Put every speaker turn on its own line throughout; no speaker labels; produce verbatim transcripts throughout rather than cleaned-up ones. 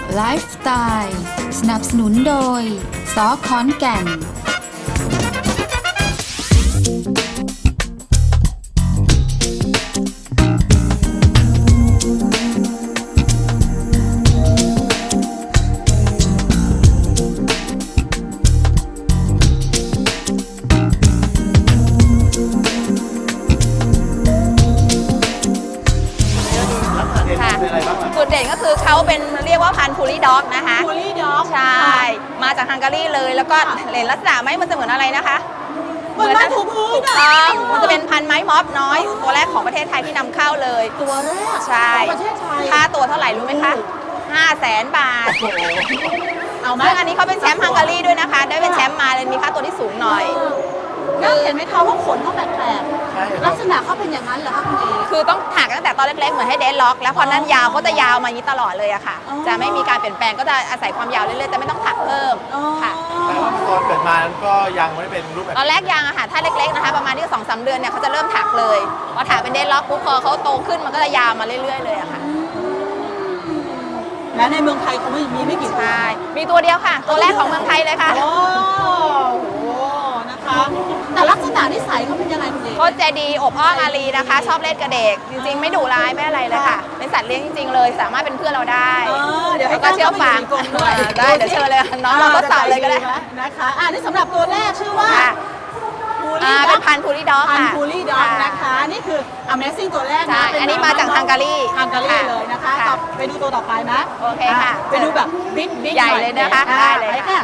ไลฟ์สไตล์สนับสนุนโดยสอขอนแก่น
จุดเด่นก็คือเขาเป็นเรียกว่าพันธุ์พูลี่ด็อกนะคะ
พูลี่ด็อก
ใช่ มาจากฮังการีเลยแล้วก็เห็นลักษณะไหมมันจะเหมือนอะไรนะคะ
เหมือนไม้ถูพื้น
ถูกต้องมันจะเป็นพันธุ์ไม้ม็อบน้อย ตัวแรกของประเทศไทยที่นำเข้าเลย
ตัวแรก
ใช่
ของประเทศไทย
ค่าตัวเท่าไหร่รู้ไหมคะห้าแสนบาท
เอาไหม
ซึ่งอันนี้เขาเป็นแชมป์ฮังการีด้วยนะคะ ได้เป็นแชมป์มาเลยมีค่าตัวที่สูงหน่อย
แล้วเห็นไหมคะว่าขนเขาแปลกๆลักษณะเขาเป็นอย่างนั้นเหรอคะคุณเอ
คือต้องถักตั้งแต่ตอนเล็กๆเหมือนให้เดดล็อกแล้วพอนั้นยาวเขาจะยาวมาอย่างนี้ตลอดเลยอะค่ะ
อ๋อ
จะไม่มีการเปลี่ยนแปลงก็จะอาศัยความยาวเรื่อยๆจะไม่ต้องถักเพิ่ม
อ๋อ
ค่ะ
แต่ว่าตอนเกิดมานั้นก็ยังไม่ได้เป็นรูปแบบ
ตอนแรกยางอะค่ะถ้าเล็กๆนะคะประมาณที่สองสามเดือนเนี่ยเขาจะเริ่มถักเลยพอถักเป็นเดดล็อกปุ๊บพอเขาโตขึ้นมันก็จะยาวมาเรื่อยๆเลยอะค่ะ
และในเมืองไทยเขาไม่มีไม่กี่ตัว
ใช่มีตัวเดียวค่ะ ตัวแรกของเมืองไทยเลยค่ะ
โอ้โหนะคะ แต่ลักษณะนิสัยเขาเป็นยังไงคุณเอ
เขาใจดีอบอ้อมอารีนะคะ ชอบเล่นกับเด็ก จริงๆ ไม่ดุร้ายไม่อะไรเลยค่ะ เป็นสัตว์เลี้ยงจริงๆเลย สามารถเป็นเพื่อนเราได้
เออเดี๋ยวให้
แล้วก็เชื่อฟัง
ตั้งเข้าไปอยู่ในกรงด้วย
ได้เดี๋ยวเชิญเลยน้องเราก็สาวเลยก็ได้
นะคะอ่านี่สำหรับตัวแรกชื่อว่า
ค่ะ
พู
อ่า
ลี่
เป็นพันธุ์พูลี่ด็อก
พัน
ค่ะ
พูลี่ด็อกนะคะ นี่คือ Amazing ตัวแรก
ใช่
นะเป็
อันนี้มาจากฮังการี
ฮังการีเลยนะคะ
ค่ะ
ต่อไปดูตัวต่อไปนะ
โอเคค่ะ
ไปดูแบบบิ๊กบิ๊ก
ใหญ่เลยนะคะ
อ่
ได้เลย
ป
ค่ะ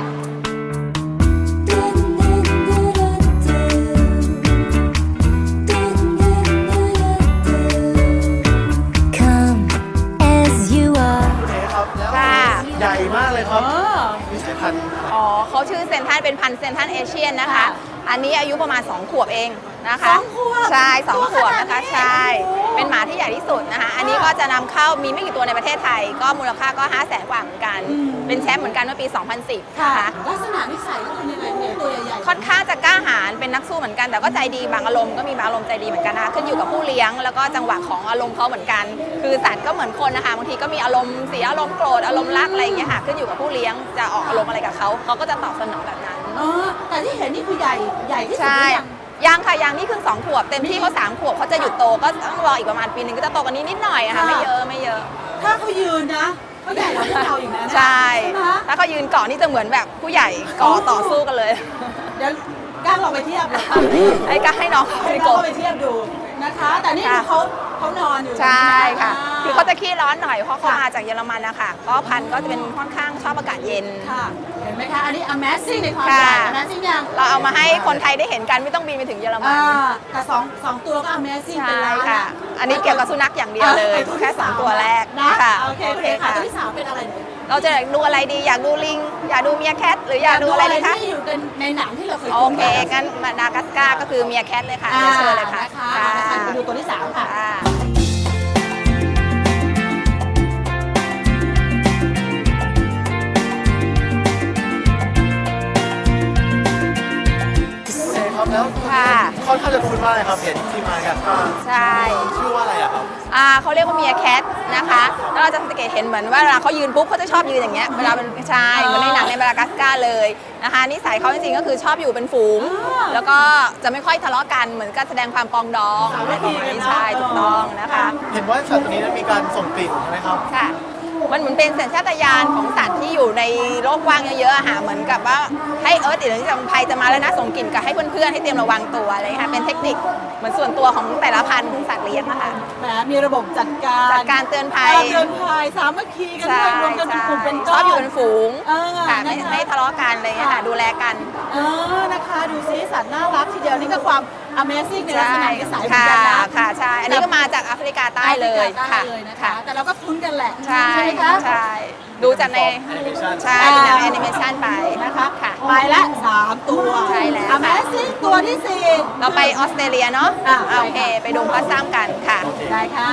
Come as you are
คุณเอครับแล้ว
ค่ะ
ใหญ่มากเลยค
เอ
รับ
อ
มีสายพันธุ์อะไร
อ๋อเขาชื่อเซนทันเป็นพันธุ์เซนทันเอเชียนนะคะ
ค่ะ
อันนี้อายุประมาณสองขวบเองนะคะ
สองขวบ
ใช่สอง
ตัว
ขวบ
ขนาด
นะคะ
นี้
ใช่
โอ้โห
เป็นหมาที่ใหญ่ที่สุดนะคะ อันนี้ก็จะนำเข้ามีไม่กี่ตัวในประเทศไทย ก็มูลค่าก็ห้าแสนกว่าเหมือนกัน
อืม
เป็นแชมป์เหมือนกันเมื่อปี สองพันสิบ
ค่ะ
นะคะ
ลักษณะนิสัยเขาเป็นยังไงเนี่ยตัวใหญ่ๆ
ค่อนข้างจะกล้าหาญเป็นนักสู้เหมือนกัน แต่ก็ใจดีบางอารมณ์ก็มีบางอารมณ์ใจดีเหมือนกันนะคะขึ้นอยู่กับผู้เลี้ยงแล้วก็จังหวะของอารมณ์เขาเหมือนกัน คือสัตว์ก็เหมือนคนนะคะบางทีก็มีอารมณ์เสียอารมณ์โกรธอารมณ์รักอะไรอย่างเงี้ยค่ะขึ้นอยู่กับผู้เลี้ยงจะออกอารมณ์อะไรกับเขาเขาก็จะตอบสนองแบบนั้น
เออแต่ที่เห็นนี่คือใหญ่ใหญ่ที่สุด
ใช่
หรือยัง
ยังค่ะยังนี่คือสองขวบเต็มที่เขาสามขวบเขาจะหยุดโตก็ต้องรออีกประมาณปีหนึงก็จะโตกันนี้นิดหน่อยอะค่ะ
ค่ะ
ไม่เยอะไม่เยอะ
ถ้าเขายืนนะเขาใหญ่กว่าพวกเราอีกนะ
ใช่
ไหม
ถ้าเขายืนเกาะนี่จะเหมือนแบบผู้ใหญ่เกาะต่อสู้กันเลย
เดี๋ยวกล้าลองไปเทียบเลย
ให้ก็ให้น้อง
ให้
ไป
น้อง
โกะ
ไปเทียบดูนะคะ แต่นี่คือเขาเขานอนอยู่
ใช่ค่ะ
า
คือเขาจะขี้ร้อนหน่อยเพราะเขา
ค่ะ
มาจากเยอรมันนะคะก็พันธุ์ก็จะเป็นค่อนข้างชอบอากาศเย็น
ค่ะเห็นไหมคะอันนี้ Amazing ในความ
ค่ะ
ใหญ่ Amazing ยัง
เราเอามาให้คนไทยได้เห็นกันไม่ต้องบินไปถึงเยอรมัน
อ่าแต่สองสองตัวก็ Amazing เป็น
ใช่
ล้าน
ค่ะ อันนี้เกี่ยวกับสุนัขอย่างเดียวเลย
อ่ะ
แค่สองตัวแรก
นะ
ค่ะ
โอเคโอเคค่ะตัวที่สามเป็นอะไรเนี่ย
เราจะดูอะไรดีอยากดูลิง อยากดูเมียแคทหรืออยากดูอะไรดีคะ
ที่อยู่ในในหนังที่เราเคย
โอ
ดู
เค งั้นมาดากัสการ์ก็คือเมียแคทเลยค่ะ
อ่า
เดี๋ยวเชิญเลยค่ะ
นะคะเอาละค่ะไปดูตัวที่สามค่ะ
ค่ะ
คุณเอครับแล้ว
ค่ะ
ค่อนข้างจะคุ้นมากเลยครับเห็นที่มากันว่า
ใช่
ชื่อว่าอะไรอะครับ
อ่าเขาเรียกว่าเมียแคทนะคะแล้วเราจะสังเกตเห็นเหมือนว่าเวลาเขายืนปุ๊บเขาจะชอบยืนอย่างเงี้ยเวลาเป็นชายเหมือนในหนังในมาดากัสการ์เลยนะคะนิสัยเขาจริงๆก็คือชอบอยู่เป็นฝูง
อ่า
แล้วก็จะไม่ค่อยทะเลาะกันเหมือนกับแสดงความปรองดอง
สามัคคีกันเนอะ
ใช่ถูกต้องนะคะ
เห็นว่าสัตว์ตัวนี้นั้นมีการส่งกลิ่นใช่ไหมครับ
ค่ะ มันเหมือนเป็นสัญชาตญาณของสัตว์ที่อยู่ในโลกกว้างเยอะๆอะค่ะเหมือนกับว่าให้เอิร์ธหรือที่จะภัยจะมาแล้วนะส่งกลิ่นกับให้เพื่อนๆให้เตรียมระวังตัวอะไรอย่างเงี้ยค่ะเป็นเทคนิคเหมือนส่วนตัวของแต่ละพันธุ์ของสัตว์เลี้ยงนะคะ
แหมมีระบบจัดการ
จัดการเตือนภัย
เตือนภัยสามัคคีกันด้วยรวมกันเป็นกลุ่มเป็น
ช
ก้
อ
อบ น
อยู่เป็นฝูง
เออ
ค่ะไม่
นะคะ
ไม่ทะเลาะกันอะไรอย่างเงี้ยค่ะดูแลกัน
เออนะคะดูซิสัตว์น่ารักทีเดียวนี่ก็ความ Amazing ในลักษณะนิสัยเหมือน
ค่ะ
กันนะ
ค่ะใช่อันนี้ก็มาจากแอฟริกาใต้เลย
แอฟริกาใต้
ค่ะ
เลยนะคะ
ค่ะ
แต่เราก็คุ้นกันแหละ
ใช่
ไหมคะ
ใช่ดูจากใน
Animation
ใช่เป็นแนวแอนิเมชันไป
นะคะ
ค่ะ
ไปละสามตัว
ใช่แล้วค่ะ
Amazing ตัวที่สี่
เราไปออสเตรเลียเนาะ
อ่ะ
โอเคไปดูพัสซัมกันค่ะ
ได้ค่ะ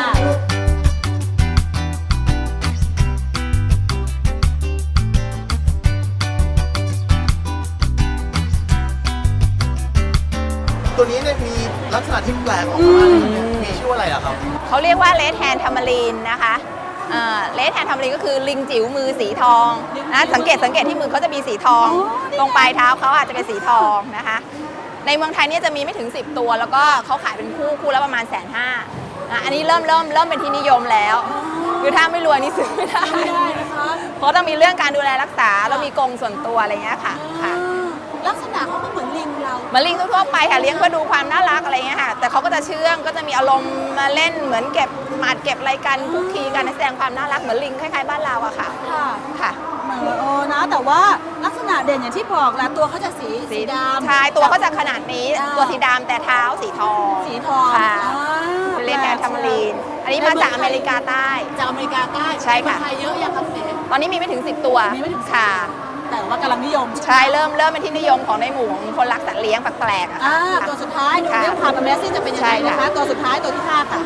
ตัวนี้เนี่ยมีลักษณะที่แปลกออกมาเลยเนี่ยมีชื่อว่าอะไรอะครับ
เขาเรียกว่าเลดแฮนด์ทามารีนนะคะเลสแฮนด์ทำลิงก็คือลิงจิ๋วมือสีทองนะสังเกตสังเกตที่มือเขาจะมีสีทอง ตรงปลายเท้าเขาอาจจะเป็นสีทองนะคะในเมืองไทยเนี่ยจะมีไม่ถึงสิบตัวแล้วก็เขาขายเป็นคู่คู่ละประมาณแสนห้าอันนี้เริ่มเริ่มเริ่มเป็นที่นิยมแล้วคือถ้าไม่รวยนี่ซื้อไม่ได้เพราะต้องมีเรื่องการดูแลรักษาแล้วมีกรงส่วนตัวอะไรเงี้ยค่ะค่ะ
ลักษณะเขาก็เหมือนลิงเรา
เหมือนลิงทั่วไปค่ะเลี้ยงเพื่อดูความน่ารักอะไรเงี้ยค่ะแต่เขาก็จะเชื่องก็จะมีอารมณ์มาเล่นเหมือนเก็บหมัดเก็บอะไรกันคุกคีกันแสดงความน่ารักเหมือนลิงคล้ายๆบ้านเราอะค่ะ
ค่ะ
ค่ะ
เหมือนโอ้นะแต่ว่าลักษณะเด่นอย่างที่บอกแหละตัวเขาจะสีสีดำ
ใช่ตัวเขาจะขนาดนี้ตัวสีดำแต่เท้าสีทอง
สีทอง
ค่ะเป็นเลนแอนทามารีนอันนี้มาจากอเมริกาใต้
จากอเมริกาใต้
ใช่ค่ะ
ไทยเยอะยังครับเอ๋
ตอนนี้มีไม่ถึงสิบตัวค่ะ
แต่ว่ากำลังนิยม
ใช่เริ่มเริ่มเป็นที่นิยมของในหมู่ของคนรักสัตว์เลี้ยงแปลกๆอะ
ค่ะตัวสุดท้ายดูเรื่องความเป็นแมสซี่จะเป็นยังไงนะคะตัวสุดท้ายตัวที่ห้าค่ะ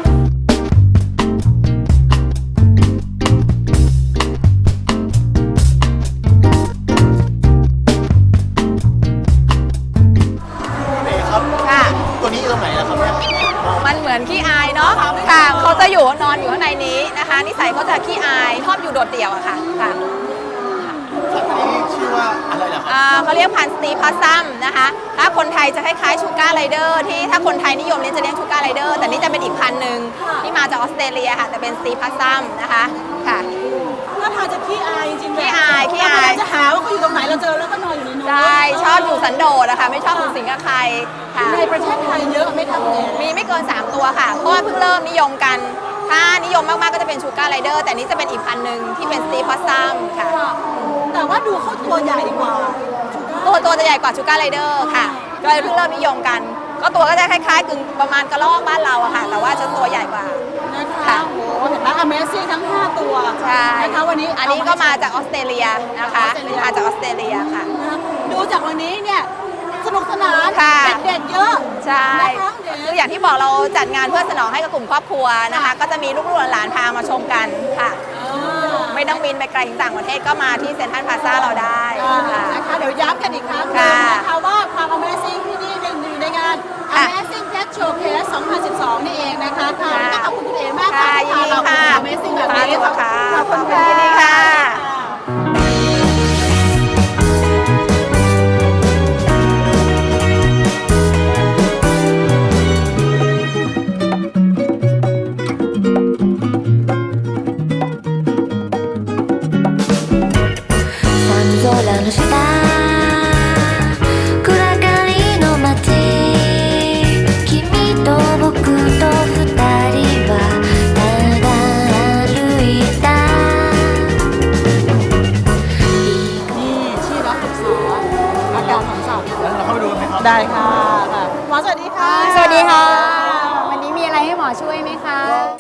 ตัวนี้ตรงไหนล่ะครับเนี่ย
มันเหมือนขี้อายเนาะค่ะเขาจะอยู่นอนอยู่ข้างในนี้นะคะนิสัยเขาจะขี้อายชอบอยู่โดดเดี่ยวอะค่ะค่ะ
สัตว์นี้ชื่อว่าอะไรล่ะครับ
เขาเรียกพันธุ์สตีพัสซัมนะคะถ้าคนไทยจะคล้ายๆชูการ์ไรเดอร์ที่ถ้าคนไทยนิยมเลี้ยงจะเลี้ยงชูการ์ไรเดอร์แต่นี่จะเป็นอีกพันธุ์หนึ่งที่มาจากออสเตรเลียค่ะแต่เป็นสตีพัสซัมนะคะค่ะ
ถ้าทางจะขี้อายจริงๆ
ขี้อายขี้อาย
จะหาว่าเขาอยู่ตรงไหนเราเจอแล้วก็นอนอยู่ในนู้น
ใช่ชอบอยู่สันโดษนะคะไม่ชอบสูงสิงกับใคร
ในประเทศไทยเยอะไม่ทำเลย
มีไม่เกินสามตัวค่ะเพราะว่าเพิ่งเริ่มนิยมกันถ้านิยมมากๆก็จะเป็นชูการ์ไรเดอร์แต่นี้จะเป็นอีกพันธุ์หนึ่งที่เป็นสตีพัสซัมค่ะ
แต่ว่าดูเขาตัวใหญ่กว่า
ตัวตัวจะใหญ่กว่าชูการ์ไรเดอร์ค่ะก็เลยเพิ่งเริ่มนิยมกันก็ตัวก็จะคล้ายๆกึ่งประมาณกระรอกบ้านเราอะค่ะแต่ว่าจะตัวใหญ่กว่า
นะคะโอ้เห็นไหม Amazing ทั้งห้าตัว
ใช่
นะคะวันนี้
อันนี้ก็มาจากออสเตรเลียนะคะมาจากออสเตรเลียค่ะ
ดูจากวันนี้เนี่ยสนุกสนานเด็กๆเยอะ
ใช่คืออย่างที่บอกเราจัดงานเพื่อสนองให้กับกลุ่มครอบครัวนะคะก็จะมีลูกๆหลานๆพามาชมกันค่ะไม่ต้องบินไปไกลถึงต่างประเทศก็มาที่เซ็นทรัลพลาซ่าเราได้
นะคะเดี๋ยวย้ำกันอีกครั้งนะคะว่าความ Amazing ที่นี่อยู่ในงาน Amazing Pet Showcase สองพันสิบสองนี่เองนะคะค่ะก็ขอบคุณคุณเอ๋มากค่ะที่พาเราไป Amazing แบบนี้
ค่ะขอบคุณค่ะ
の下暗がりの街君と僕と二人はただ歩いた
นี่ชื่อรับฝึกสอนอาการของสัตว์
แล้วเราเข้าไปดูกันไหมครับ
ได้ค่ะหมอสวัสดีค่ะ
สวัสดีค่ะวันนี้มีอะไรให้หมอช่วยไหมคะ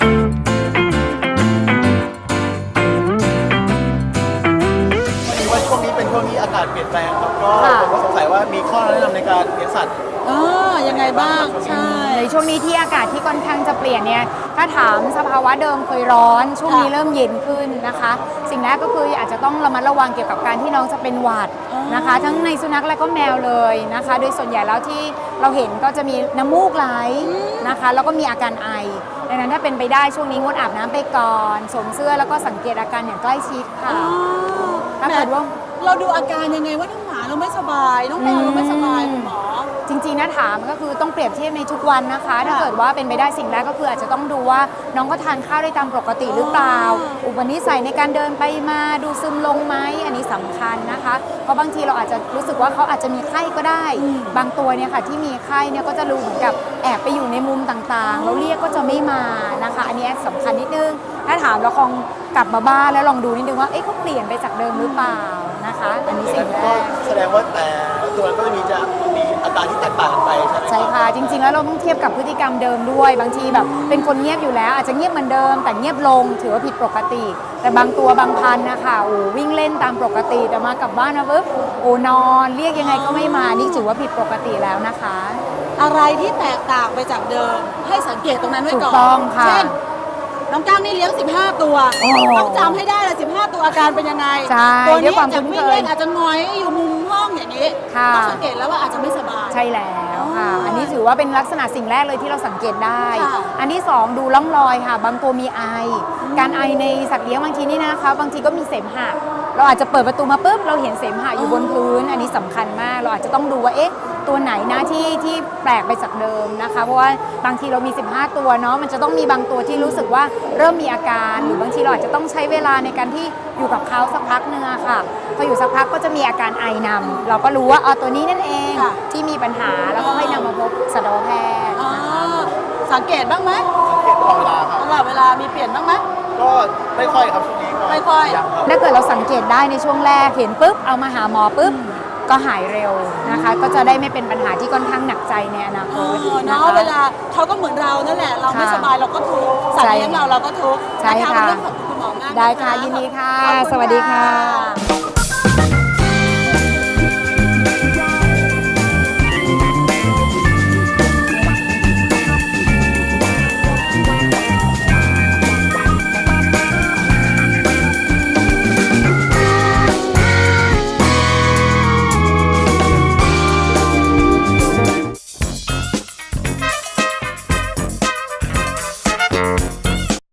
ช่วงนี้เป็นช่วงนี้อากาศเปลี่ยนแปลงครับก็ผมก็สงสัยว่ามีข้อแนะนำในการเลี้ยงสัตว์
เออยังไงบ้างใช่
ในช่วงนี้ที่อากาศที่ค่อนข้างจะเปลี่ยนเนี่ยถ้าถามสภาวะเดิมเคยร้อนช่วงนี้เริ่มเย็นขึ้นนะคะสิ่งแรกก็คืออาจจะต้องระมัดระวังเกี่ยวกับการที่น้องจะเป็นหวัดนะคะทั้งในสุนัขและก็แมวเลยนะคะโดยส่วนใหญ่แล้วที่เราเห็นก็จะมีน้ำมูกไหลนะคะแล้วก็มีอาการไอดังนั้นถ้าเป็นไปได้ช่วงนี้งดอาบน้ำไปก่อนสวมเสื้อแล้วก็สังเกตอาการอย่างใกล้ชิดค่ะถ้าเกิดว่า
เราดูอาการยังไงว่าน้องหมาเราไม่สบายน้องแมวเราไม่สบายคุณหมอ
จริงๆนะถามก็คือต้องเปรียบเทียบในทุกวันนะคะถ้าเกิดว่าเป็นไปได้สิ่งแรกก็คืออาจจะต้องดูว่าน้องก็ทานข้าวได้ตามปกติหรือเปล่าอุปนิสัยในการเดินไปมาดูซึมลงไหมอันนี้สำคัญนะคะเพราะบางทีเราอาจจะรู้สึกว่าเขาอาจจะมีไข้ก็ได้บางตัวเนี่ยค่ะที่มีไข้เนี่ยก็จะรู้เหมือนกับแอบไปอยู่ในมุมต่างๆแล้วเรียกก็จะไม่มานะคะอันนี้สำคัญนิดนึงถ้าถามเราคงกลับมาบ้านแล้วลองดูนิดนึงว่าเอ๊ะเขาเปลี่ยนไปจากเดิมหรือเปล่านะคะอันนี้สิ่งแรก
แสดงว่าแต่ตัวนั้นก็จะมีจะมีอาการที่แตกต่างกันไปใช่ไหม
ใช่ค่ะจริงๆแล้วเราต้องเทียบกับพฤติกรรมเดิมด้วยบางทีแบบเป็นคนเงียบอยู่แล้วอาจจะเงียบเหมือนเดิมแต่เงียบลงถือว่าผิดปกติแต่บางตัวบางพันธุ์นะคะโอ้วิ่งเล่นตามปกติแต่มากลับบ้านมาปุ๊บโอ้นอนเรียกยังไงก็ไม่มานี่ถือว่าผิดปกติแล้วนะคะ
อะไรที่แตกต่างไปจากเดิมให้สังเกตตรงนั้นไว้ก่อน
ถูกต้องค่ะ
เช่นน้องก้างนี่เลี้ยงสิบห้าตัวต้องจำให้ได้เลยสิบห้าตัวอาการเป็นยังไงตัวนี้จากวิ่งเล่นอาจจะงอยอยู่มุมห้องอย่างนี้ต้องสังเกตแล้วว่าอาจจะไม่สบาย
ใช่แล้วค่ะ อันนี้ถือว่าเป็นลักษณะสิ่งแรกเลยที่เราสังเกตได้
ค่ะ
อันที่สองดูร่องรอยค่ะ บางตัวมีไอ การไอในสัตว์เลี้ยงบางทีนี่นะคะ บางทีก็มีเสมหะ เราอาจจะเปิดประตูมาปุ๊บเราเห็นเสมหะอยู่บนพื้น อันนี้สำคัญมาก เราอาจจะต้องดูว่าเอ๊ะตัวไหนนะที่ที่แปลกไปจากเดิมนะคะ เพราะว่าบางทีเรามีสิบห้าตัวเนาะ มันจะต้องมีบางตัวที่รู้สึกว่าเริ่มมีอาการ หรือบางทีเราอาจจะต้องใช้เวลาในการที่อยู่กับเขาสักพักนึงอะค่ะ พออยู่สักพักก็จะมีอาการไอนำ เราก็รู้ว่าอ๋อตัวนี้นั่นเอง
ค่ะ
ที่มีปัญหาแล้วก็ให้นำมาพบสัตวแพทย์
อ๋อสังเกตบ้างไหม
สังเกตตลอดเวลาครับ
ตลอดเวลามีเปลี่ยนบ้างไหม
ก็ไม่ค่อยครับช่วงนี้ก็
ไม่ค่อย
ยังครับ
ถ้าเกิดเราสังเกตได้ในช่วงแรกเห็นปุ๊บเอามาหาหมอปุ๊บก็หายเร็วนะคะ ก็จะได้ไม่เป็นปัญหาที่ค่อนข้างหนักใจในอนาค
อ๋อ
ตนะ
เนาะ
คะ
เวลาเขาก็เหมือนเรานั่นแหละ เราไม่
ค่ะ
สบายเราก็ทุกข์สัตว์เลี้ยงเราเราก็ทุกข์
ใช่
น
ค่ะ
วันนี้ขอบคุณคุณหมอมากน
ได้ค่ะยินดีค่ะ
ขอบณ
สวัสดีค่ะ
ค่ะ